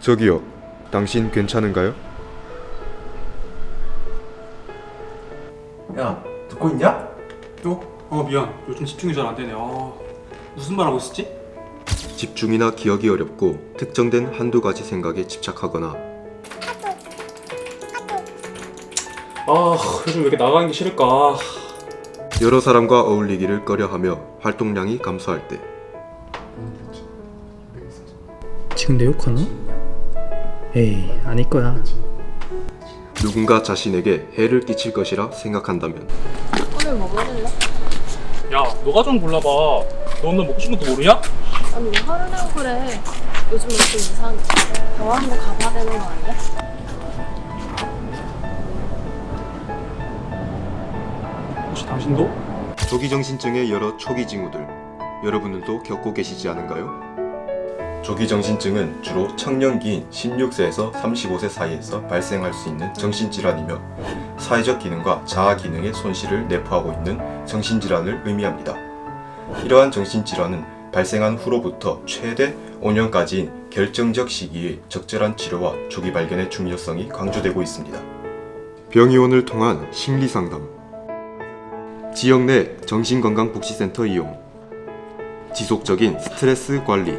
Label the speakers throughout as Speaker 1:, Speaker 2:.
Speaker 1: 저기요, 당신 괜찮은가요?
Speaker 2: 야, 듣고 있냐?
Speaker 3: 미안. 요즘 집중이 잘 안 되네. 무슨 말 하고 있었지?
Speaker 1: 집중이나 기억이 어렵고 특정된 한두 가지 생각에 집착하거나
Speaker 3: 요즘 왜 이렇게 나가는 게 싫을까?
Speaker 1: 여러 사람과 어울리기를 꺼려하며 활동량이 감소할 때
Speaker 4: 지금 내 욕하나? 에이, 아닐 거야.
Speaker 1: 누군가 자신에게 해를 끼칠 것이라 생각한다면
Speaker 5: 오늘 뭐 먹을래?
Speaker 3: 야, 너가 좀 골라봐. 너 오늘 먹고 싶은 것도 모르냐?
Speaker 5: 아니 왜 화를 내고 그래? 요즘 좀 이상해. 병원 한번 가봐야 되는 거 아니야?
Speaker 3: 혹시 당신도?
Speaker 1: 조기정신증의 여러 초기 징후들 여러분들도 겪고 계시지 않은가요? 조기정신증은 주로 청년기인 16세에서 35세 사이에서 발생할 수 있는 정신질환이며 사회적 기능과 자아 기능의 손실을 내포하고 있는 정신질환을 의미합니다. 이러한 정신질환은 발생한 후로부터 최대 5년까지인 결정적 시기의 적절한 치료와 조기 발견의 중요성이 강조되고 있습니다. 병의원을 통한 심리상담, 지역 내 정신건강복지센터 이용, 지속적인 스트레스 관리,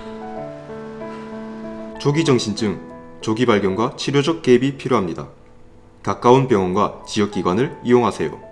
Speaker 1: 조기정신증, 조기 발견과 치료적 개입이 필요합니다. 가까운 병원과 지역기관을 이용하세요.